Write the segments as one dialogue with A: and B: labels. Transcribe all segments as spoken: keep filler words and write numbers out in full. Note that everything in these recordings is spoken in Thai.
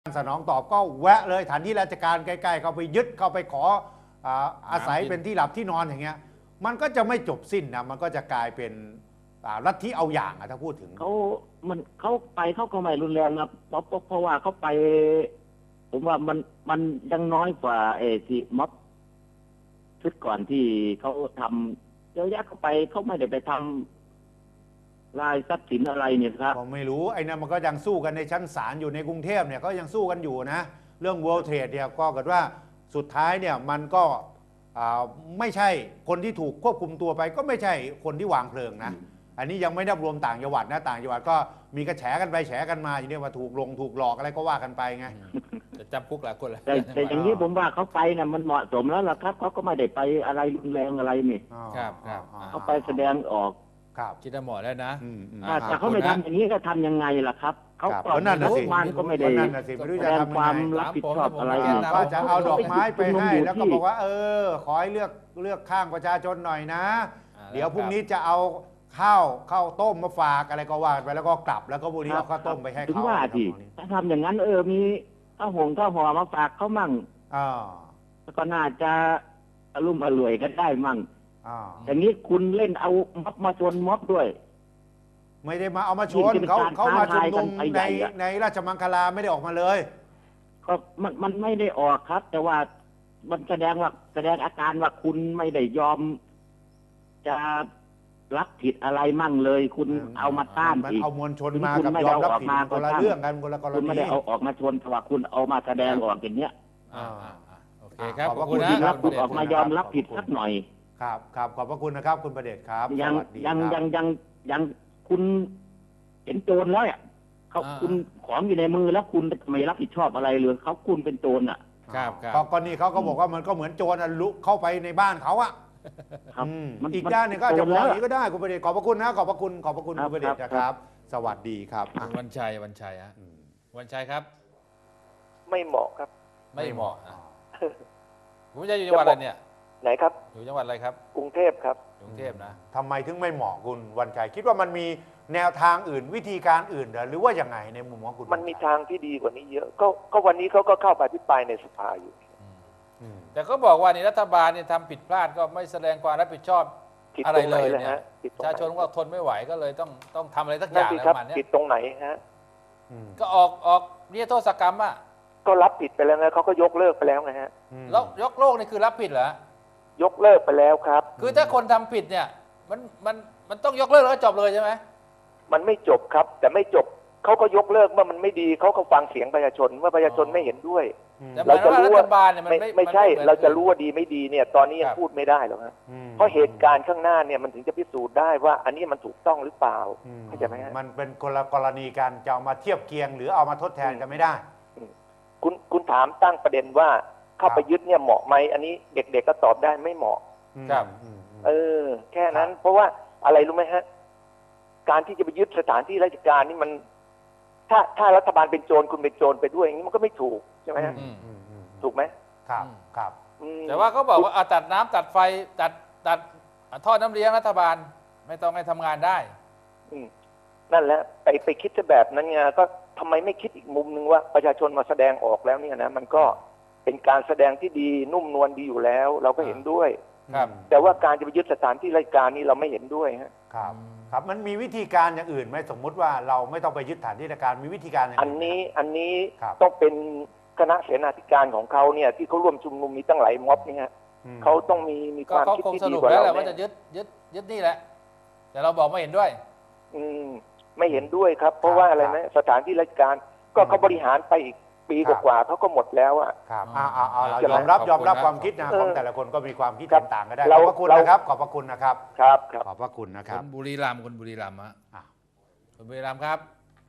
A: สนองตอบก็แวะเลยฐานที่ราชการใกล้ๆเข้าไปยึดเข้าไปขออาอาศัยเป็นที่หลับที่นอนอย่างเงี้ยมันก็จะไม่จบสิ้นนะมันก็จะกลายเป็นลัทธิเอาอย่างอะถ้าพูดถึง
B: เขามันเขาไปเขาก็ไม่รุนแรงนะเพราะเพราะว่าเขาไปผมว่ามันมันยังน้อยกว่าเอที่ม็อบชุดก่อนที่เขาทำเยอะแยะเขาไปเขาไม่ได้ไปทำลายทรัพย์สินอะไรเนี่ยครับ
A: ผมไม่รู้ไอ้นั่นมันก็ยังสู้กันในชั้นศาลอยู่ในกรุงเทพเนี่ยก็ยังสู้กันอยู่นะเรื่อง World Trade เนี่ยก็เกิดว่าสุดท้ายเนี่ยมันก็ไม่ใช่คนที่ถูกควบคุมตัวไปก็ไม่ใช่คนที่วางเพลิงนะอันนี้ยังไม่นับรวมต่างจังหวัดนะต่างจังหวัดก็มีกระแฉกันไปแฉกันมาอย่างนี้ว่าถูกลงถูกหลอกอะไรก็ว่ากันไปไง
C: จะจำคุกหลายคนแหละ
B: แต่แต่อย่างนี้ผมว่าเขาไปนะมันเหมาะสมแล้วล่ะครับเขาก็ไม่ได้ไปอะไรรุนแรงอะไรนี่
C: ครับครับ
B: เขาไปแสดงออก
A: ครับ
C: คิดว่าเหมาะแล้วนะ
B: แต่เขาไม่ทำอย่างนี้ก็ทำยังไงล่ะครับเขา
A: ก็นั่นน่ะสิ
B: มันก็ไม่ได้แสดงความรับผิดชอบอะไร
A: ก็จะเอาดอกไม้ไปให้แล้วก็บอกว่าเออขอให้เลือกเลือกข้างประชาชนหน่อยนะเดี๋ยวพรุ่งนี้จะเอาข้าวข้าวต้มมาฝากอะไรก็ว่าไปแล้วก็กลับแล้วก็บุรีเอาข้าวต้มไปให้เขา
B: ถึงว่าที่ถ้าทำอย่างนั้นเออมีข้าวหงข้าวห่อมาฝากเขามั่ง
A: อ่า
B: ก็น่าจะอารมณ์อร่วยกันได้มั่งอย่างนี้คุณเล่นเอาม็อบมาชนม็อบด้วย
A: ไม่ได้มาเอามาชนเขาเขามาชุมนุมในในราชมังคลาไม่ได้ออกมาเลย
B: ก็มันมันไม่ได้ออกครับ แต่ว่ามันแสดงว่าแสดงอาการว่าคุณไม่ได้ยอมจะรับผิดอะไรมั่งเลย คุณเอามาต้านอีก
A: เอามวลชนมากับยอมรับผิดคนละเรื่องกันคนละกรณี
B: คุณไม่ได้เอาออกมาชนแต่ว่าคุณเอามาแสดงออกอย่างเนี้ย
C: โอเคครับ
B: ขอบคุณนะคุณออกมายอมรับผิดสักหน่อย
A: ครับครับขอบพระคุณนะครับคุณประเดชครับ
B: ยังยังยังยังยังคุณเห็นโจรแล้วอ่ะเขาคุณของอยู่ในมือแล้วคุณไม่รับผิดชอบอะไรเลยเขาคุณเป็นโจรอ่ะ
C: ครับครับ
A: ก็นี่เขาก็บอกว่ามันก็เหมือนโจรลุกเข้าไปในบ้านเขาอ่ะอีกด้านหนึ่งก็จะมองอย่างนี้ก็ได้คุณประเดชขอบพระคุณนะขอบพระคุณขอบพระคุณคุณประเดชนะครับสวัสดีครับ
C: วันชัยวันชัยฮะวันชัยครับ
D: ไม่เหมาะครับ
C: ไม่เหมาะคุณจะอยู่จังหวัดอะไรเนี่ย
D: ไหนครับ
C: อยู่จังหวัดอะไรครับ
D: กรุงเทพครับ
C: กรุงเทพนะ
A: ทำไมถึงไม่เหมาะคุณวันชัยคิดว่ามันมีแนวทางอื่นวิธีการอื่นหรือว่าอย่างไงในมุมของคุณ
D: มันมีทางที่ดีกว่านี้เยอะก็ก็วันนี้เขาก็เข้าไปอภิปรายในสภาอยู่
C: แต่เขาบอกว่านี่รัฐบาลเนี่ยทำผิดพลาดก็ไม่แสดงความรับผิดชอบอะไรเลยเนี่ยประชาชนก็ทนไม่ไหวก็เลยต้องต้องทำอะไรสักอย่าง
D: ประมาณนี้ผิดตรงไหนฮะ
C: ก็ออกออกนิรโทษกรรมอ่ะ
D: ก็รับผิดไปแล้วไงเขาก็ยกเลิกไปแล้วไงฮะ
C: แล้วยกโลกนี่คือรับผิดเหร
D: อยกเลิกไปแล้วครับ
C: คือถ้าคนทำผิดเนี่ยมันมันมันต้องยกเลิกแล้วจบเลยใช่ไหม
D: มันไม่จบครับแต่ไม่จบเขาก็ยกเลิกเมื่อมันไม่ดีเขาก็ฟังเสียงประชาชนเมื่อประชาชนไม่เห็นด้วย
C: เราจะรู้ว่า
D: ไม่ไม่ใช่เราจะรู้ว่าดีไม่ดีเนี่ยตอนนี้ยังพูดไม่ได้หรอกฮะเพราะเหตุการณ์ข้างหน้าเนี่ยมันถึงจะพิสูจน์ได้ว่าอันนี้มันถูกต้องหรือเปล่าเข้าใจไหมฮะ
A: มันเป็นคนละกรณีการจะเอามาเทียบเคียงหรือเอามาทดแทนกันไม่ได้
D: คุณคุณถามตั้งประเด็นว่าเข้าไปยึดเนี่ยเหมาะไหมอันนี้เด็กๆก็ตอบได้ไม่เหมาะ
C: ครับ
D: เออแค่นั้นเพราะว่าอะไรรู้ไหมฮะการที่จะไปยึดสถานที่ราชการนี่มันถ้าถ้ารัฐบาลเป็นโจรคุณเป็นโจรไปด้วยอย่างนี้มันก็ไม่ถูกใช่ไหมฮะถูกไหม
A: ครับครับ
C: แต่ว่าเขาบอกว่าตัดน้ำตัดไฟตัดตัดท่อน้ำเลี้ยงรัฐบาลไม่ต้องให้ทำงานได้
D: นั่นแหละไปไปคิดจะแบบนั้นไงก็ทำไมไม่คิดอีกมุมนึงว่าประชาชนมาแสดงออกแล้วเนี่ยนะมันก็เป็นการแสดงที่ดีนุ่มนวลดีอยู่แล้วเราก็เห็นด้วย
C: ครับ
D: แต่ว่าการจะไปยึดสถานที่ราชการนี่เราไม่เห็นด้วยฮะ
A: ครับครับมันมีวิธีการอย่างอื่นไหมสมมุติว่าเราไม่ต้องไปยึดสถานที่ราชการมีวิธีการอย่างอื่น
D: อันนี้อันนี้ต้องเป็นคณะเสนาธิการของเขาเนี่ยที่เขาร่วมชุมนุมมีตั้งหลายม็อบเนี่ยเขาต้องมีมีความคิดที่ดีกว่าเรา
C: แล้วว่าจะยึดยึดยึดนี่แหละแต่เราบอกไม่เห็นด้วย
D: อืมไม่เห็นด้วยครับเพราะว่าอะไรไหมสถานที่ราชการก็เขาบริหารไปอีกปีกว่าเขาก็หมดแล้วอ่ะ
A: ครับอ่าอ่าเรายอมรับยอมรับความคิดนะของแต่ละคนก็มีความคิดต่างกันได้ขอบพระคุณนะครับขอบพระคุณนะครับ
D: ครับ
A: ขอบพระคุณนะครับ
C: คนบุรีรัมย์คนบุรีรัมย์ฮะคนบุรีรัมย์ครับ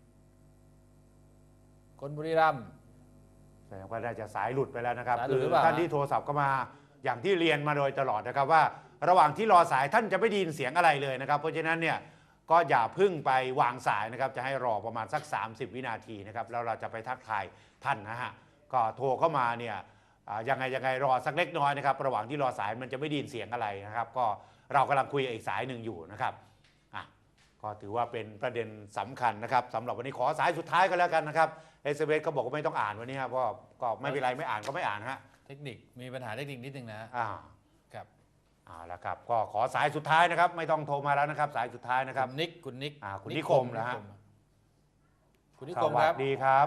C: คนบุรีรัมย์
A: แสดงว่าน่าจะสายหลุดไปแล้วนะครับคือท่านที่โทรศัพท์ก็มาอย่างที่เรียนมาโดยตลอดนะครับว่าระหว่างที่รอสายท่านจะไม่ได้ยินเสียงอะไรเลยนะครับเพราะฉะนั้นเนี่ยก็อย่าพึ่งไปวางสายนะครับจะให้รอประมาณสักสามสิบวินาทีนะครับแล้วเราจะไปทักทายท่านนะฮะก็โทรเข้ามาเนี่ยยังไงยังไงรอสักเล็กน้อยนะครับระหว่างที่รอสายมันจะไม่ได้ยินเสียงอะไรนะครับก็เรากำลังคุยกับอีกสายหนึ่งอยู่นะครับอ่ะก็ถือว่าเป็นประเด็นสำคัญนะครับสำหรับวันนี้ขอสายสุดท้ายก็แล้วกันนะครับเอสเอสเขาบอกว่าไม่ต้องอ่านวันนี้ครับเพราะก็ไม่เป็นไรไม่อ่านก็ไม่อ่านฮะ
C: เทคนิคมีปัญหาเทคนิคนิดนึงนะ
A: อ่า
C: ครับ
A: เอาละครับก็ขอสายสุดท้ายนะครับไม่ต้องโทรมาแล้วนะครับสายสุดท้ายนะครับ
C: คุณนิกคุณนิก
A: อ่าคุณนิคมนะฮะ
C: คุณนิคมครับ
A: สวัสดีครับ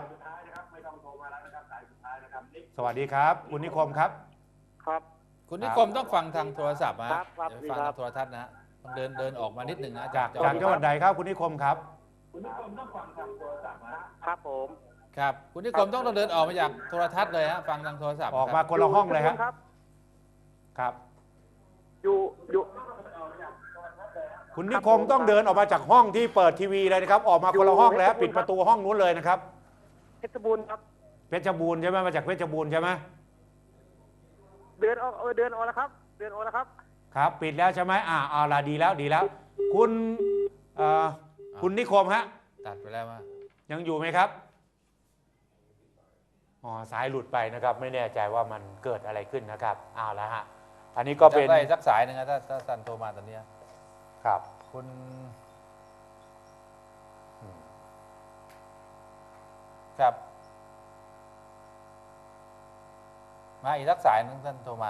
A: สวัสดีครับคุณนิคมครับ
B: ครับ
C: คุณนิคมต้องฟังทางโทรศัพท์นะฟังทางโทรทัศน์นะต้องเดินเดินออกมานิดหนึ่งนะ
A: จากจากจังหวัดใดครับคุณนิคมครับ
B: คุณนิคมต้องฟังทางโทรศัพท์นะครับผม
C: ครับคุณนิคมต้องเดินออกมาจากโทรทัศน์เลยฮะฟังทางโทรศัพท์
A: ออกมาคนละห้องเลยฮะครับ
B: อยู่อยู่
A: คุณนิคมต้องเดินออกมาจากห้องที่เปิดทีวีเลยนะครับออกมาคนละห้องแล้วปิดประตูห้องนู้นเลยนะครับ
B: เพชรบูรณ์ครับ
A: เพชรบูรณ์ใช่ไหมมาจากเพชรบูรณ์ใช่ไหม
B: เดินออกเออเดินออกแล้วครับเดินออกแล้วครับ
A: ครับปิดแล้วใช่ไหมอ่าเอาละดีแล้วดีแล้วคุณเอ่อคุณนิคมฮะ
C: ตัดไปแล้วว่า
A: ยังอยู่ไหมครับอ๋อสายหลุดไปนะครับไม่แน่ใจว่ามันเกิดอะไรขึ้นนะครับเอาละฮะอันนี้ก็เป็น
C: ได้สักสายหนึ่งนะถ้าถ้าสันโทรมาตอนนี้
A: ครับ
C: คุณครับมาอีกสักสายนึงท่านโทรมา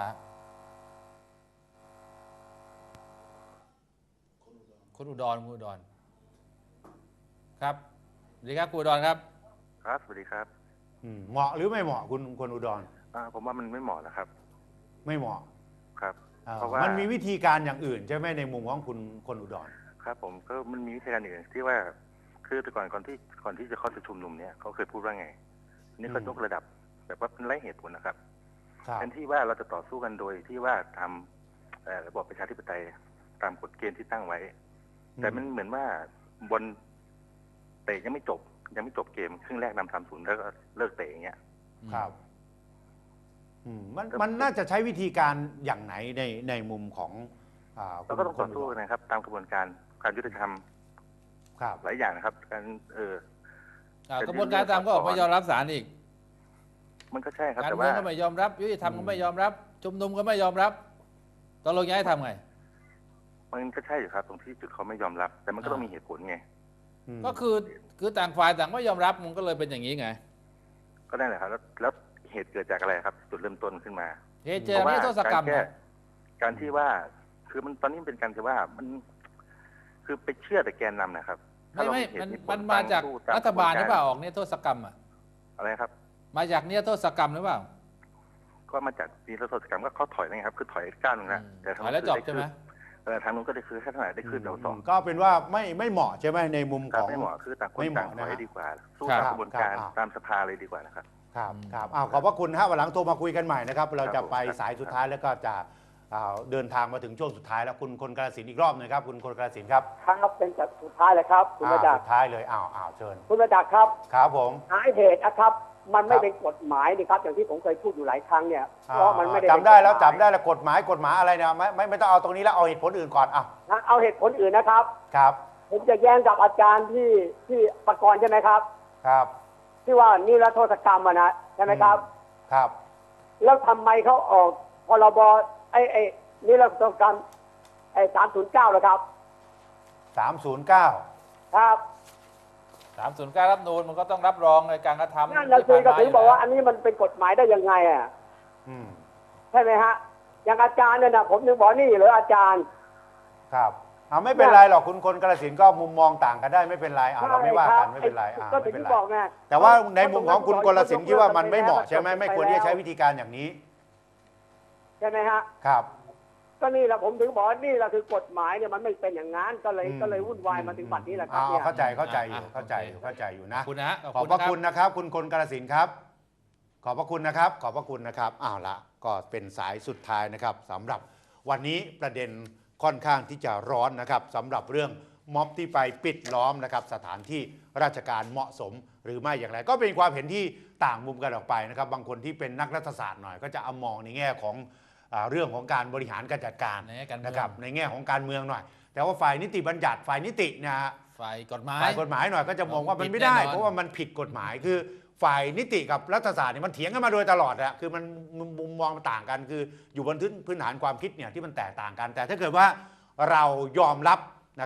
C: คุณอุดรคุณอุดรครับสวัสดีครับคุณอุดรครับ
D: ครับสวัสดีครับ
A: เหมาะหรือไม่เหมาะคุณคนอุดร
D: อ่าผมว่ามันไม่เหมาะนะครับ
A: ไม่เหมาะ
D: ครับ
A: เพราะว่ามันมีวิธีการอย่างอื่นใช่ไหมในมุมของคุณคนอุดร
D: ครับผมก็มันมีวิธีการอื่นที่ว่าคือแต่ก่อนก่อนที่ก่อนที่จะเข้าจะชุมนุมเนี่ยเขาเคยพูดว่าไงนี่เขายกระดับแบบว่าเป็นไร้เหตุผลนะครับแทนที่ว่าเราจะต่อสู้กันโดยที่ว่าทำระบบประชาธิปไตยตามกฎเกณฑ์ที่ตั้งไว้แต่มันเหมือนว่าบนเตะยังไม่จบยังไม่จบเกมครึ่งแรกนำสามศูนย์แล้วก็เลิกเตะอย่างเงี้ย
A: ครับมันมันน่าจะใช้วิธีการอย่างไหนในในมุมของ
D: เราก็ต้องต่อสู้นะครับตามกระบวนการการยุติธรรมหลายอย่างนะครับการเอ
C: อกระบวนการตามก็ออกไม่ยอมรับศาลอีก
D: มันก็ใช่ครับ
C: แต่ว่าการเมืองก็ไม่ยอมรับยุติธรรมก็ไม่ยอมรับชุมนุมก็ไม่ยอมรับตกลงจะให้ทำไง
D: มันก็ใช่อยู่ครับตรงที่จุดเขาไม่ยอมรับแต่มันก็ต้องมีเหตุผลไง
C: ก็คือคือต่างฝ่ายต่างไม่ยอมรับมันก็เลยเป็นอย่างนี้ไง
D: ก็ได้แหละครับแล้วเหตุเกิดจากอะไรครับจุดเริ่มต้นขึ้นมา
C: เหตุเจอที่โทษกรรม
D: การที่ว่าคือมันตอนนี้เป็นการที่ว่ามันคือไปเชื่อแต่แกนนำนะครับ
C: ไม่ไม่มันมันมาจากรัฐบาลหรือเปล่าออกเนี่ยโทษกรรมอะ
D: อะไรครับ
C: มาจากเนี่ยโทษกรรมหรือเปล่า
D: ก็มาจากนีโทษกรรมก็เขาถอยนะครับคือถอยก้าวหนึ่งนะ
C: แต่ถอยแล้วจบใช่ไหม
D: ทางนู้นก็ได้คือแค่เท่าไหร่ได้ขึ้นเดี๋ยวสอง
A: ก็เป็นว่าไม่ไม่เหมาะใช่ไหมในมุมของ
D: ไม่เหมาะคือต่างคนต่างถอยดีกว่าสู้ตามกระบวนการตามสภาเลยดีกว่านะครับ
A: ครับครับอ้าวขอบพระคุณฮะวันหลังโทรมาคุยกันใหม่นะครับเราจะไปสายสุดท้ายแล้วก็จะเดินทางมาถึงช่วงสุดท้ายแล้วคุณคนกาฬสินธุ์อีกรอบหนึ่งครับคุณคนกาฬสินธุ์ครับ
B: ครับเป็นจากสุดท้ายเลยครับคุณประจักษ์
A: สุดท้ายเลยอ้าวอ้าวเชิญ
B: คุณประจักษ์ครับ
A: ครับผม
B: หาเหตุนะครับมันไม่เป็นกฎหมายนี่ครับอย่างที่ผมเคยพูดอยู่หลายครั้งเนี่ยเพราะมันไม่ได้
A: จำได้แล้วจำได้แล้วกฎหมายกฎหมายอะไรเนี่ยไม่ไม่ไม่ต้องเอาตรงนี้แล้วเอาเหตุผลอื่นก่อนอ่ะ
B: เอาเหตุผลอื่นนะครับ
A: ครับ
B: ผมจะแย้งกับอาจารย์ที่ที่ประกรณ์ใช่ไหมครับ
A: ครับ
B: ที่ว่านี่ละโทษกรรมอะนะใช่ไหมครับ
A: ครับ
B: แล้วทำไมเขาออกพรบไอ้ไอ้นี่ละโทษกรรมไอ้สามศูนย์เก้าเหรอครับ
A: สามศูนย์เก้า
B: ครับ
C: สามศูนย์เก้ารัฐธรรมนูญมันก็ต้องรับรองในการกระทำ
B: นั่นเราคุยก็ถึงบอกว่าอันนี้มันเป็นกฎหมายได้ยังไงอ่ะใช่ไหมฮะอย่างอาจารย์เนี่ยนะผมนึกบอกนี่เหรออาจารย์
A: ครับเอาไม่เป็นไรหรอกคุณคนกาฬสินธุ์ก็มุมมองต่างกันได้ไม่เป็นไรอ่าเราไม่ว่ากันไม่เป็นไรอ่าไม่เป็นไรแต่ว่าในมุมของคุณกาฬสินธุ์คิดว่ามันไม่เหมาะใช่ไหมไม่ควรที่จะใช้วิธีการอย่างนี้
B: ใช่ไหมฮะ
A: ครับ
B: ก็นี่แหละผมถึงบอกนี่แหละคือกฎหมายเนี่ยมันไม่เป็นอย่างนั้นก็เลยก็เลยวุ่นวายมาถึงบัดนี้แหละครับ
A: เนี่ยเข้าใจเข้าใจอยู่เข้าใจอยู่เข้าใจอยู่นะ
C: คุณนะ
A: ขอบพระคุณนะครับคุณคนกาฬสินธุ์ครับขอบพระคุณนะครับขอบพระคุณนะครับอ้าวละก็เป็นสายสุดท้ายนะครับสำหรับวันนี้ประเด็นค่อนข้างที่จะร้อนนะครับสำหรับเรื่องม็อบที่ไปปิดล้อมนะครับสถานที่ราชการเหมาะสมหรือไม่อย่างไรก็เป็นความเห็นที่ต่างมุมกันออกไปนะครับบางคนที่เป็นนักรัฐศาสตร์หน่อยก็จะเอามองในแง่ของเรื่องของการบริหารการจัดการนะครับในแง่ของการเมืองหน่อยแต่ว่าฝ่ายนิติบัญญัติฝ่ายนิตินะฮะ
C: ฝ่ายกฎหมาย
A: ฝ่ายกฎหมายหน่อยก็จะมองว่ามันไม่ได้เพราะว่ามันผิดกฎหมายคือฝ่ายนิติกับรัฐศาสตร์เนี่ยมันเถียงกันมาโดยตลอดอะคือมันมุมมองมันต่างกันคืออยู่บนพื้นฐานความคิดเนี่ยที่มันแตกต่างกันแต่ถ้าเกิดว่าเรายอมรับนะครับ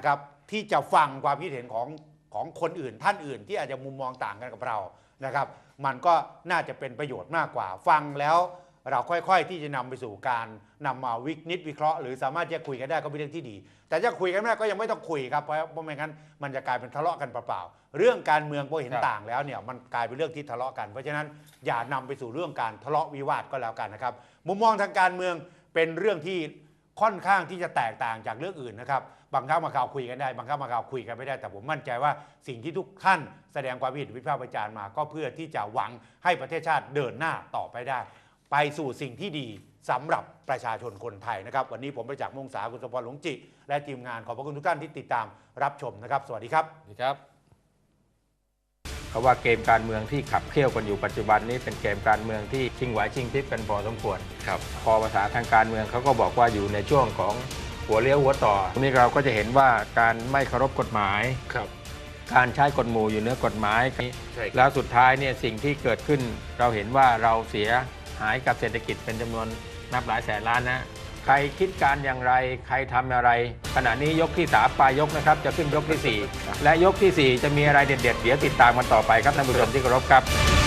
A: ที่จะฟังความคิดเห็นของของคนอื่นท่านอื่นที่อาจจะมุมมองต่างกันกับเรานะครับมันก็น่าจะเป็นประโยชน์มากกว่าฟังแล้วเราค่อยๆที่จะนำไปสู่การนำมาวินิจวิเคราะห์หรือสามารถจะคุยกันได้ก็เป็นเรื่องที่ดีแต่จะคุยกันไม่ได้ก็ยังไม่ต้องคุยครับเพราะไม่งั้นมันจะกลายเป็นทะเลาะกันเปล่าๆเรื่องการเมืองพอเห็นต่างแล้วเนี่ยมันกลายเป็นเรื่องที่ทะเลาะกันเพราะฉะนั้นอย่านำไปสู่เรื่องการทะเลาะวิวาทก็แล้วกันนะครับมุมมองทางการเมืองเป็นเรื่องที่ค่อนข้างที่จะแตกต่างจากเรื่องอื่นนะครับบางครั้งบางคราวคุยกันได้บางครั้งบางคราวคุยกันไม่ได้แต่ผมมั่นใจว่าสิ่งที่ทุกท่านแสดงความเห็นวิพากษ์วิจารณ์มาก็เพื่อที่จะหวังให้ประเทศชาติเดินหน้าต่อไปได้ไปสู่สิ่งที่ดีสำหรับประชาชนคนไทยนะครับวันนี้ผมประจักษ์มงษาคุณสมพรหลวงจิและทีมงานขอบพระคุณทุกท่านที่ติดตามรับชมนะครับสวัสดีครับ
C: สวัสดีครับ
E: เขาว่าเกมการเมืองที่ขับเคี่ยวกันอยู่ปัจจุบันนี้เป็นเกมการเมืองที่ชิงไหวชิงพริบกันพอสมควรครับพอภาษาทางการเมืองเขาก็บอกว่าอยู่ในช่วงของหัวเลี้ยวหัวต่อตรงนี้เราก็จะเห็นว่าการไม่เคารพกฎหมายครับการใช้กฎหมู่อยู่เหนือกฎหมายแล้วสุดท้ายเนี่ยสิ่งที่เกิดขึ้นเราเห็นว่าเราเสียหายกับเศรษฐกิจเป็นจำนวนนับหลายแสนล้านนะใครคิดการอย่างไรใครทำอะไรขณะนี้ยกที่สามปลายยกนะครับจะขึ้นยกที่สี่และยกที่สี่จะมีอะไรเด็ดๆเดี๋ยวติดตามกันต่อไปครับท่านผู้ชมที่เคารพครับ